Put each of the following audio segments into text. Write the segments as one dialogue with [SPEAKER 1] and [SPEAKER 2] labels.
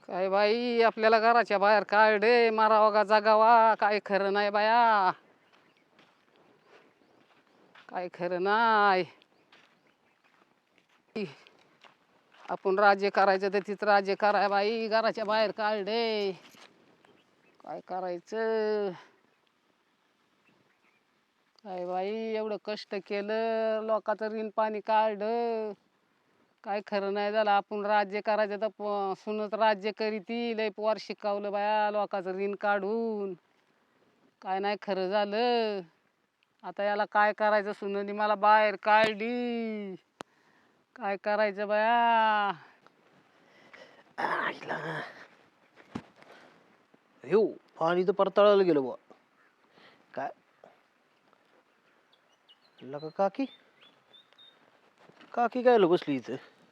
[SPEAKER 1] काय बाई आपल्याला घराच्या बाहेर काढे मारावा का जगावा काय खरं नाही बाया. काय खरं नाही. आपण राज्य करायचं तर तिथं राज्य कराय बाई घराच्या बाहेर काढे. काय करायचं. काय बाई एवढं कष्ट केलं लोकांचं ऋण पाणी काढलं. काय खरं नाही झालं. आपण राज्य करायचं तर सुनत राज्य करीती लय पोर शिकवलं बाया लोकांचं ऋण काढून. काय नाही खरं झालं. आता याला काय करायचं. सुननी मला बाहेर काढली. काय करायचं बाया.
[SPEAKER 2] हो पाणी तर परताळायला गेलं बुवा. काय लका काकी काकी काय बसली इथं.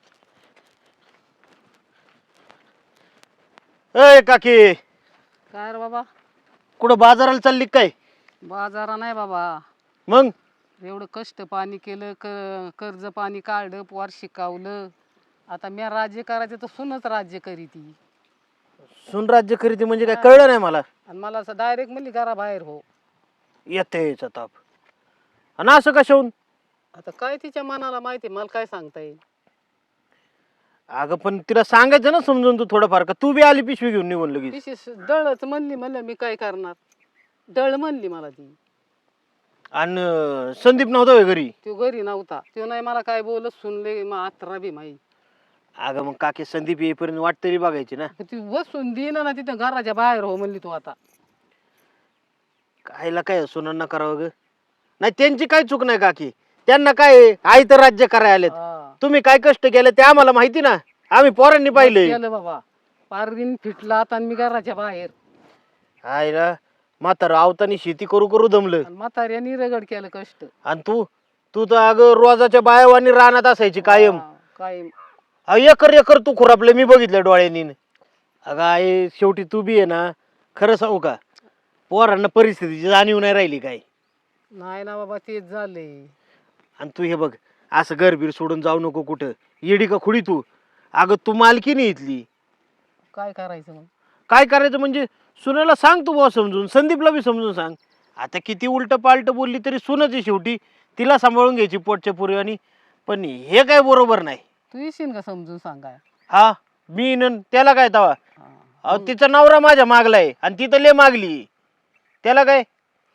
[SPEAKER 2] ए काकी
[SPEAKER 1] काय रे बाबा.
[SPEAKER 2] कुठं बाजाराला चालली काय?
[SPEAKER 1] बाजारा नाही बाबा.
[SPEAKER 2] मग
[SPEAKER 1] एवढं कष्ट पाणी केलं कर्ज पाणी काढलं पोर शिकवलं. आता मी राज्य करायचं तर सुनच राज्य करीती.
[SPEAKER 2] सुन राज्य खरेदी म्हणजे काय कळलं नाही मला.
[SPEAKER 1] आणि मला असं डायरेक्ट म्हणली घराबाहेर हो.
[SPEAKER 2] येतेच ताप आणि असं कशाहून.
[SPEAKER 1] आता काय तिच्या मनाला माहिती मला काय सांगता येईल.
[SPEAKER 2] अगं पण तिला सांगायचं ना समजून तू थोडंफार. का तू बी आली पिशवी घेऊन निघून लगेच.
[SPEAKER 1] विशेष दळच म्हणली म्हणलं मी काय करणार. दळ म्हणली मला ती.
[SPEAKER 2] आणि संदीप नव्हता होय घरी.
[SPEAKER 1] तो घरी नव्हता. तो नाही मला काय बोलत सुनले मग आत्रा बी माही.
[SPEAKER 2] अगं मग काकी संदीप येईपर्यंत वाट तरी बघायची ना.
[SPEAKER 1] ती बसून देईना ना तिथं घराच्या बाहेर हो म्हणली तू आता.
[SPEAKER 2] कायला काय सुनांना करावं ग. नाही त्यांची काय चूक नाही काकी. त्यांना काय आई तर राज्य करायला आलेत.
[SPEAKER 1] हा.
[SPEAKER 2] तुम्ही काय कष्ट केले ते आम्हाला माहिती ना. आम्ही पोरांनी पाहिले.
[SPEAKER 1] केलं बाबा. पारदीन फिटला आता आणि मी घराच्या बाहेर.
[SPEAKER 2] आईला म्हातारं आवतानी शेती करू करू दमलं.
[SPEAKER 1] आणि म्हाताऱ्यानी रगड केलं कष्ट.
[SPEAKER 2] आणि तू तर अगं रोजाच्या बायावानी रानात असायची कायम.
[SPEAKER 1] कायम.
[SPEAKER 2] एकर एकर तू खुरापले मी बघितलं डोळ्यांनी. अगं आई शेवटी तू बी आहे ना. खरं सांगू का पोरांना परिस्थितीची जाणीव नाही राहिली काय.
[SPEAKER 1] नाही ना बाबा तेच झाले.
[SPEAKER 2] आणि तू हे बघ असं घरबीर सोडून जाऊ नको कुठं. येडी का खुडी तू. अगं तू मालकी नाही इथली.
[SPEAKER 1] काय करायचं मग.
[SPEAKER 2] काय करायचं म्हणजे सुनेला सांग तू बुवा समजून. संदीपला बी समजून सांग. आता किती उलट पालट बोलली तरी सुनच आहे शेवटी. तिला सांभाळून घ्यायची पोटच्या पुरीवानी. पण हे काय बरोबर नाही.
[SPEAKER 1] तू येशील का समजून सांगाय.
[SPEAKER 2] हा मी त्याला काय तवा.
[SPEAKER 1] हा.
[SPEAKER 2] अहो तिचा नवरा माझ्या मागलाय आणि ती तर लय मागली. त्याला काय.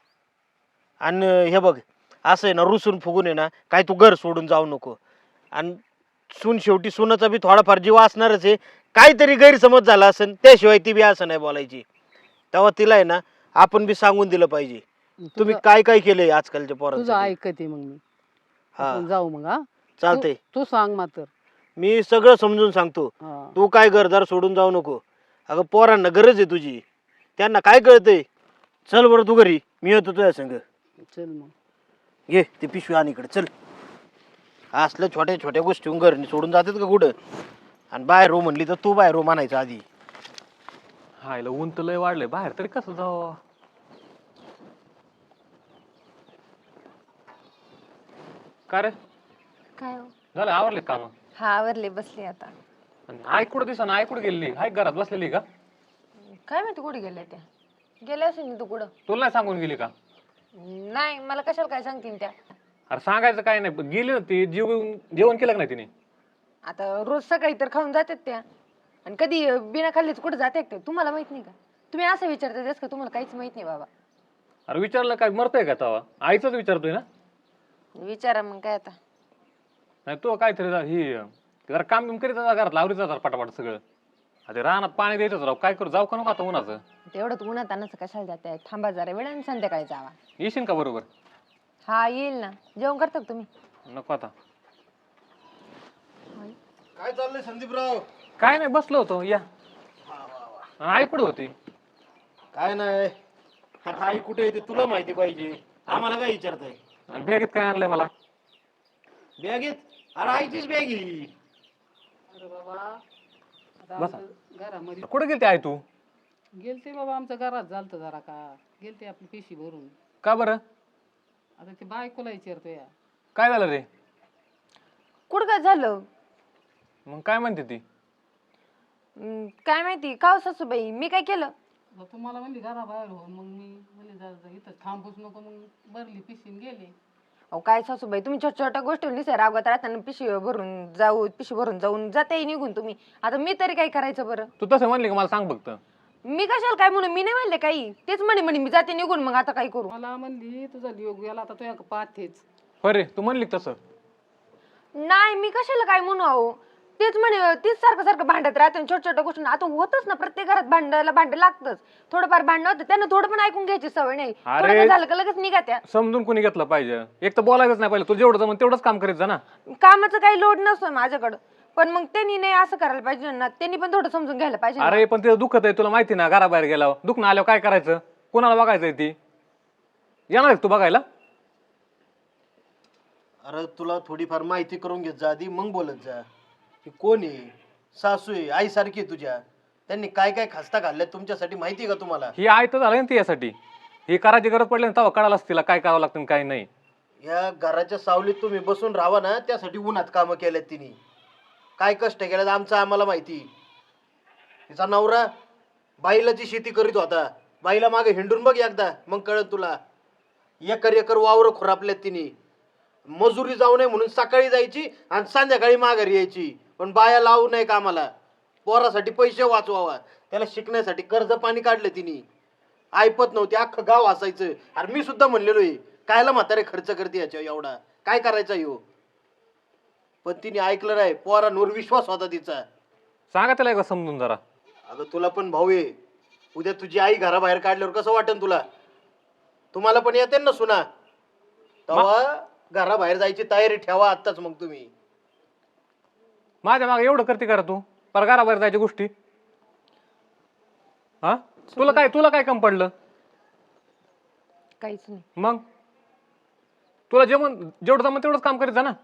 [SPEAKER 2] आणि हे बघ असं आहे ना रुसून फुगून आहे ना काय तू घर सोडून जाऊ नको. आणि सून शेवटी सुनाचा बी थोडाफार जीव असणारच आहे. काहीतरी गैरसमज झाला असेल त्याशिवाय ती बी असं नाही बोलायची. तेव्हा तिला आहे ना आपण बी सांगून दिलं पाहिजे. तुम्ही काय काय केलंय आजकालच्या
[SPEAKER 1] तुझं
[SPEAKER 2] पोरांचं.
[SPEAKER 1] ऐकते मग मी.
[SPEAKER 2] हा
[SPEAKER 1] आपण जाऊ मग. हा
[SPEAKER 2] चालतंय.
[SPEAKER 1] तू सांग मात्र.
[SPEAKER 2] मी सगळं समजून सांगतो.
[SPEAKER 1] हा.
[SPEAKER 2] तू काय घरदार सोडून जाऊ नको. अगं पोरांना गरज आहे तुझी. त्यांना काय कळतंय. चल बरं तू घरी मी येतो तुझ्या संग.
[SPEAKER 1] चल मग.
[SPEAKER 2] घे ते पिशवी आणि इकडे चल. असल्या छोट्या छोट्या गोष्टी घरनी सोडून जातात का कुठं. आणि बाहेर हो म्हणली तर तू बाहेर हो म्हणायचं आधी.
[SPEAKER 3] हायला ऊन तर लय वाढलंय बाहेर तरी कसं जावं. का रे
[SPEAKER 4] काय हो?
[SPEAKER 3] झालं आवरले काम.
[SPEAKER 4] हा आवरले बसले आता.
[SPEAKER 3] आई कुठं दिसा आई कुठं गेलेली आई घरात बसलेली का.
[SPEAKER 4] काय माहिती कुठे गेल्या त्या. गेल्या असेल ना तू कुठं.
[SPEAKER 3] तुला नाही सांगून गेली का.
[SPEAKER 4] नाही मला कशाला काय सांगतील त्या.
[SPEAKER 3] अरे सांगायचं काय नाही पण गेली ना ती जेवण केलं का नाही तिने.
[SPEAKER 4] आता रोज सकाळी तर खाऊन जातात त्या. आणि कधी बिना खाल्लीच कुठं जाते ते तुम्हाला माहित नाही का. तुम्ही असं विचारता तेच का तुम्हाला काहीच माहित नाही बाबा.
[SPEAKER 3] अरे विचारलं काय मरतोय का तवा आईचंच विचारतोय ना.
[SPEAKER 4] विचारा मग काय आता.
[SPEAKER 3] नाही तो काहीतरी ही जरा काम बिम करीत जा घरात लावरीच जातात पटापट सगळं. आता रानात पाणी द्यायचं राव काय करू जाऊ का नको आता उन्हाचं.
[SPEAKER 4] तेवढंच उन्हात अन्नाचं कशाला जाते थांबा जरा वेळ आणि संध्याकाळी जावा.
[SPEAKER 3] येशील का बरोबर.
[SPEAKER 4] हा येईल ना जेवण करता का तुम्ही.
[SPEAKER 3] नको आता.
[SPEAKER 2] काय चाललंय संदीपराव.
[SPEAKER 3] काय नाही बसलो होतो या. आई कुठं होती.
[SPEAKER 2] काय नाही आई कुठे येते तुला माहिती पाहिजे. आम्हाला काय विचारताय.
[SPEAKER 3] आणि बॅगेत काय आणलंय मला.
[SPEAKER 2] बॅगेत अरे आईचीच बॅग ही.
[SPEAKER 1] अरे बाबा आता
[SPEAKER 3] बसा.
[SPEAKER 1] आमचं घरामध्ये
[SPEAKER 3] कुठे गेलती आई तू.
[SPEAKER 1] गेलते बाबा आमच्या घरात झालतं जरा का. गेलते आपली पेशी भरून.
[SPEAKER 3] का बरं
[SPEAKER 1] आता ते बायकोला विचारतो या.
[SPEAKER 3] काय झालं रे.
[SPEAKER 4] कुठं काय झालं.
[SPEAKER 3] मग काय म्हणते ती.
[SPEAKER 4] काय माहिती का हो सासूबाई, मी काय केलं?
[SPEAKER 1] मग तुम्हाला म्हणली घराबाहेर हो, मग मी म्हणले इथं थांबूच नको, मग भरली पिशीन गेले.
[SPEAKER 4] अहो काय सासूबाई, तुम्ही छोट्या छोट्या गोष्टी निसर्ग रागवत राहताना पिशवी भरून जाऊन जाते निघून तुम्ही. आता मी तरी काय करायचं बरं?
[SPEAKER 3] तू तसं म्हणली का मला सांग फक्त.
[SPEAKER 4] मी कशाला काय म्हणून, मी नाही म्हणले काही, तेच म्हणे मी जाते निघून, मग आता काय करू?
[SPEAKER 1] मला म्हणली तुझा योग गेला, आता तुझ्या पाहतेच.
[SPEAKER 3] होय रे, तू म्हणली का तसं?
[SPEAKER 4] नाही, मी कशाला काय म्हणू अहो, तेच म्हणे, तेच सारखं सारखं भांडत राहते छोट्या छोट्या गोष्टी. आता होतच ना, प्रत्येक घरात भांडं लागतच. थोडंफार भांडण होतं, त्यांना थोडं पण ऐकून घ्यायची सवय नाही.
[SPEAKER 3] अरे.
[SPEAKER 4] थोडं काय झालं का लगेच निघा त्या.
[SPEAKER 3] समजून कोणी घेतलं पाहिजे, एक तर बोलायचंच नाही पाहिजे. तू जेवढं जमन तेवढंच काम करीत जा ना.
[SPEAKER 4] कामाचं काही लोड नसतो माझ्याकडं, पण मग त्यांनी नाही असं करायला पाहिजे ना, त्यांनी पण थोडं समजून घ्यायला पाहिजे ना.
[SPEAKER 3] अरे पण ते दुखत आहे, तुला माहिती ना, घराबाहेर गेल्यावर दुखणं आल्यावर काय करायचं? कोणाला बघायचंय ती? येणार आहे तू बघायला?
[SPEAKER 2] अरे तुला थोडीफार माहिती करून घेत जा आधी, मग बोलत जा. की कोण आहे? सासू आहे, आई सारखी तुझ्या. त्यांनी काय काय खास्ता घालल्यात तुमच्यासाठी माहिती आहे का तुम्हाला?
[SPEAKER 3] ही आय तर झालं ना ती यासाठी. ही करायची गरज पडली ना तेव्हा कळालं तिला काय करावं लागतं आणि काय नाही.
[SPEAKER 2] या घराच्या सावलीत तुम्ही बसून राहा ना, त्यासाठी उन्हात कामं केल्यात तिने. काय कष्ट केल्यात आमचं आम्हाला माहिती. तिचा नवरा बाईला शेती करीत होता, बाईला मागे हिंडून बघ एकदा, मग कळत तुला. एकर एकर वावर खुरापल्यात तिने. मजुरी जाऊ नये म्हणून सकाळी जायची आणि संध्याकाळी माघारी यायची, पण बाया लावू नये कामाला. पोरासाठी पैसे वाचवावा, त्याला शिकण्यासाठी कर्ज पाणी काढलं तिने. ऐपत नव्हती, अख्खं गाव असायचं. अरे मी सुद्धा म्हणलेलो आहे, कायला म्हातारे खर्च करते याच्या एवढा, काय करायचा येऊ. पण तिने ऐकलं नाही, पोरांवर विश्वास होता तिचा.
[SPEAKER 3] सांगा त्याला एकदा समजून जरा.
[SPEAKER 2] अगं तुला पण भाऊ आहे, उद्या तुझी आई घराबाहेर काढल्यावर कसं वाटेल तुला? तुम्हाला पण येते ना सुना, तेव्हा घराबाहेर जायची तयारी ठेवा आत्ताच. मग तुम्ही
[SPEAKER 3] माझ्या मागे एवढं करते करा तू, पर घराबाहेर जायच्या गोष्टी. हा, तुला काय कम पडलं?
[SPEAKER 4] काहीच नाही.
[SPEAKER 3] मग तुला जेवढं जमन तेवढंच काम करीत जा ना.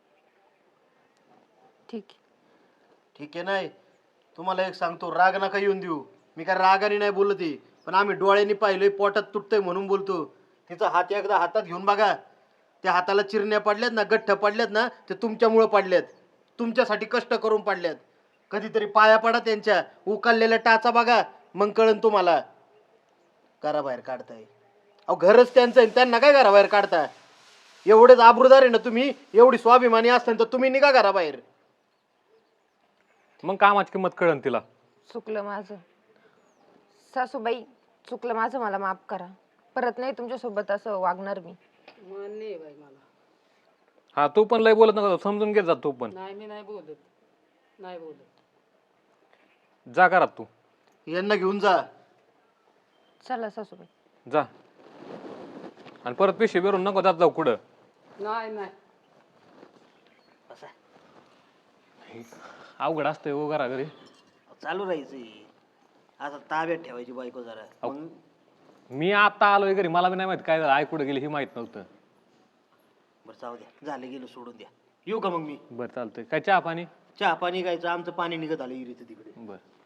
[SPEAKER 4] ठीक
[SPEAKER 2] ठीक आहे. नाही तुम्हाला एक सांगतो, राग नका येऊन देऊ. मी काय रागाने नाही बोलत आहे, पण आम्ही डोळ्यांनी पाहिलोय, पोटात तुटतंय म्हणून बोलतो. तिचा हात एकदा हातात घेऊन बघा. त्या हाताला चिरण्या पडल्यात ना, गठ्ठ पडल्यात ना, ते तुमच्यामुळं पडल्यात. तुमच्यासाठी कष्ट करून पडल्यात. कधीतरी पाया पडा त्यांच्या, उकललेल्या टाचा बघा, मग कळन तुम्हाला. घराबाहेर काढताय अहो, घरच त्यांचं आहे, त्यांना काय घराबाहेर काढता? एवढेच आबरूदार आहे ना तुम्ही, एवढी स्वाभिमानी असताना तर तुम्ही निघा घराबाहेर.
[SPEAKER 3] मग कामाची किंमत कळन तिला.
[SPEAKER 4] चुकलं माझं सासूबाई, चुकलं माझं, मला माफ करा. परत नाही तुमच्यासोबत असं वागणार मी.
[SPEAKER 1] मान्य आहे बाई मला.
[SPEAKER 3] हा, तू पण लय बोलत नका, समजून घेत जा तू पण.
[SPEAKER 1] नाही, मी नाही बोलत, नाही बोलत.
[SPEAKER 3] जा घरात तू.
[SPEAKER 2] यांना घेऊन जा.
[SPEAKER 4] चला सासूबाई.
[SPEAKER 3] जा, आणि परत पिशवी भरून नको जात जाऊ कुठं.
[SPEAKER 1] नाही नाही.
[SPEAKER 3] अवघड असतंय हो घरा घरी.
[SPEAKER 2] चालू राहायचं आता, ताब्यात ठेवायची बायको जरा. मग
[SPEAKER 3] मी आता आलोय घरी, मला बी नाही माहित काय झालं, आई कुठे गेली हे माहित नव्हतं.
[SPEAKER 2] बरं जाऊ द्या, झालं गेलं सोडून द्या. येऊ का मग मी?
[SPEAKER 3] बरं चालतंय. काय चहा पाणी?
[SPEAKER 2] चहा पाणी गायचं, आमचं पाणी निघत आलं इरीचं तिकडे.
[SPEAKER 3] बरं.